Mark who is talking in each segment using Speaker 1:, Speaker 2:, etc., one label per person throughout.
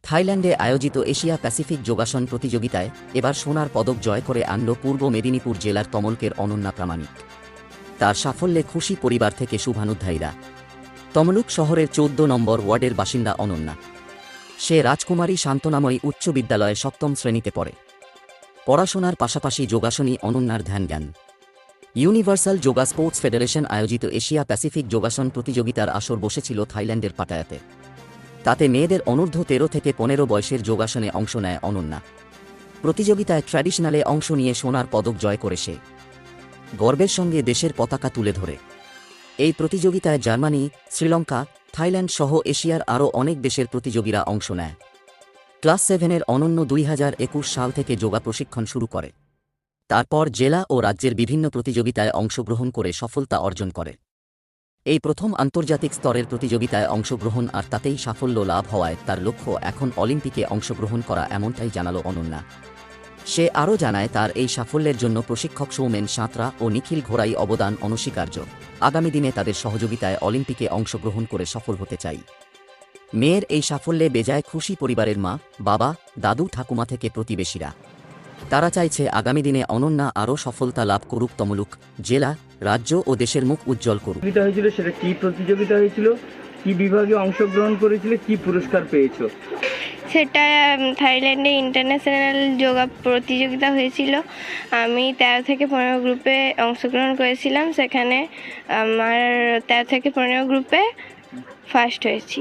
Speaker 1: থাইল্যান্ডে আয়োজিত Asia pacific যোগাসন প্রতিযোগিতায় এবার সোনার পদক জয় করে আনল পূর্ব মেদিনীপুর জেলার তমলুকের অনন্যা প্রামাণিক। তার সাফল্যে খুশি পরিবার থেকে শুভানুধ্যায়ীরা। তমলুক শহরের ১৪ নম্বর ওয়ার্ডের বাসিন্দা অনন্যা। সে রাজকুমারী শান্তনাময়ী উচ্চ বিদ্যালয়ে ৭ম শ্রেণীতে পড়ে। পড়াশোনার পাশাপাশি যোগাসনই অনন্যার ধ্যান। ইউনিভার্সাল যোগা স্পোর্টস ফেডারেশন আয়োজিত এশিয়া প্যাসিফিক যোগাসন প্রতিযোগিতার আসর বসেছিল থাইল্যান্ডের পাটায়াতে। তাতে মেয়েদের অনূর্ধ্ব ১৩ থেকে ১৫ বয়সের যোগাসনে অংশ নেয় অনন্যা। প্রতিযোগিতায় ট্র্যাডিশনালে অংশ নিয়ে সোনার পদক জয় করে সে গর্বের সঙ্গে দেশের পতাকা তুলে ধরে। এই প্রতিযোগিতায় জার্মানি, শ্রীলঙ্কা, থাইল্যান্ড সহ এশিয়ার আরও অনেক দেশের প্রতিযোগীরা অংশ নেয়। ক্লাস 7-এর অনন্য ২০২১ সাল থেকে যোগা প্রশিক্ষণ শুরু করে। তারপর জেলা ও রাজ্যের বিভিন্ন প্রতিযোগিতায় অংশগ্রহণ করে সফলতা অর্জন করে। এই প্রথম আন্তর্জাতিক স্তরের প্রতিযোগিতায় অংশগ্রহণ আর তাতেই সাফল্য লাভ হওয়ায় তার লক্ষ্য এখন অলিম্পিকে অংশগ্রহণ করা, এমনটাই জানালো অনন্যা। সে আরও জানায়, তার এই সাফল্যের জন্য প্রশিক্ষক সৌমেন সাঁতরা ও নিখিল ঘোড়াই অবদান অনস্বীকার্য। আগামী দিনে তাদের সহযোগিতায় অলিম্পিকে অংশগ্রহণ করে সফল হতে চাই। মেয়ের এই সাফল্যে বেজায় খুশি পরিবারের মা, বাবা, দাদু, ঠাকুমা থেকে প্রতিবেশীরা। তারা চাইছে আগামী দিনে অনন্যা আরও সফলতা লাভ করুক, তমলুক জেলা, রাজ্য ও দেশের মুখ উজ্জ্বল করুক।
Speaker 2: হয়েছিল সেটা কি প্রতিযোগিতা হয়েছিল, কি বিভাগে অংশগ্রহণ করেছিলে, কি পুরস্কার পেয়েছো?
Speaker 3: সেটা থাইল্যান্ডে ইন্টারন্যাশনাল যোগা প্রতিযোগিতা হয়েছিল। আমি 13 থেকে 15 গ্রুপে অংশগ্রহণ করেছিলাম। সেখানে আমার 13 থেকে 15 গ্রুপে ফার্স্ট হয়েছি।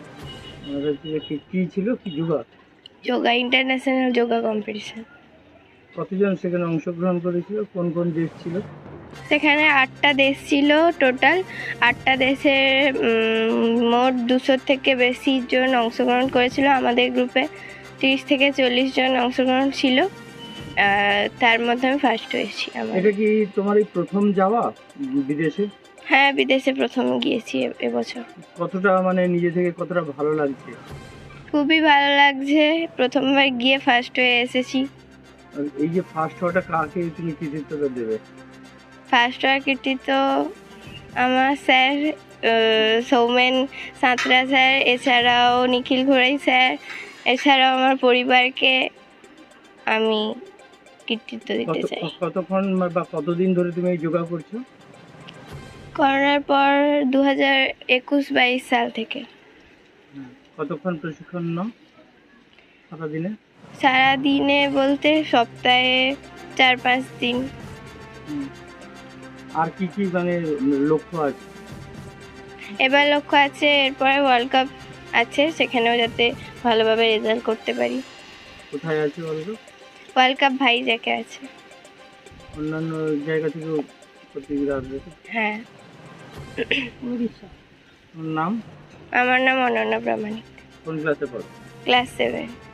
Speaker 2: কি ছিল, কি
Speaker 3: যোগা ইন্টারন্যাশনাল যোগা কম্পিটিশন।
Speaker 2: কতজন সেখানে অংশগ্রহণ করেছিল, কোন কোন দেশ ছিল?
Speaker 3: সেখানে 8টা দেশ ছিল টোটাল। 8টা দেশের মোট 200 থেকে বেশি জন অংশগ্রহণ করেছিল। আমাদের গ্রুপে 30 থেকে 40 জন অংশগ্রহণ ছিল। তার মধ্যে আমি ফার্স্ট হয়েছি।
Speaker 2: এটা কি তোমার এই প্রথম যাওয়া বিদেশে?
Speaker 3: হ্যাঁ, বিদেশে প্রথম গিয়েছি এবছর।
Speaker 2: কতটা নিজে থেকে কতটা ভালো লাগছে?
Speaker 3: খুবই ভালো লাগছে, প্রথমবার গিয়ে ফার্স্ট হয়ে এসেছি।
Speaker 2: এই যে ফার্স্ট হওয়াটা, কাকে তুমি কৃতিত্বটা দেবে?
Speaker 3: ফার্স্ট হওয়ার কৃতিত্ব আমার স্যার সৌমেন সাঁতরা স্যার, এছাড়াও নিখিল ঘোড়াই স্যার, এছাড়াও আমার পরিবারকে আমি কৃতিত্ব দিতে চাই।
Speaker 2: কতক্ষণ বা কতদিন ধরে তুমি এই যোগা করছো?
Speaker 3: করোনার পর 2021-22 সাল থেকে।
Speaker 2: কতক্ষণ প্রশিক্ষণ নাও সারাদিনে?
Speaker 3: সারাদিনে বলতে সপ্তাহে 4-5 দিন।
Speaker 2: আর কি কি লক্ষ্য আছে?
Speaker 3: এবার লক্ষ্য আছে, এরপরে ওয়ার্ল্ড কাপ আছে, সেখানেও যাতে ভালোভাবে রেজাল্ট করতে পারি।
Speaker 2: কোথায় আছে
Speaker 3: ওয়ার্ল্ড কাপ ভাইজ্যাকে আছে।
Speaker 2: অন্যান্য জায়গা থেকেও প্রতিযোগিতা আসবে?
Speaker 3: হ্যাঁ।
Speaker 2: নাম?
Speaker 3: আমার নাম অনন্যা প্রামাণিক।
Speaker 2: কোন ক্লাসে পড়ো?
Speaker 3: ক্লাস 7।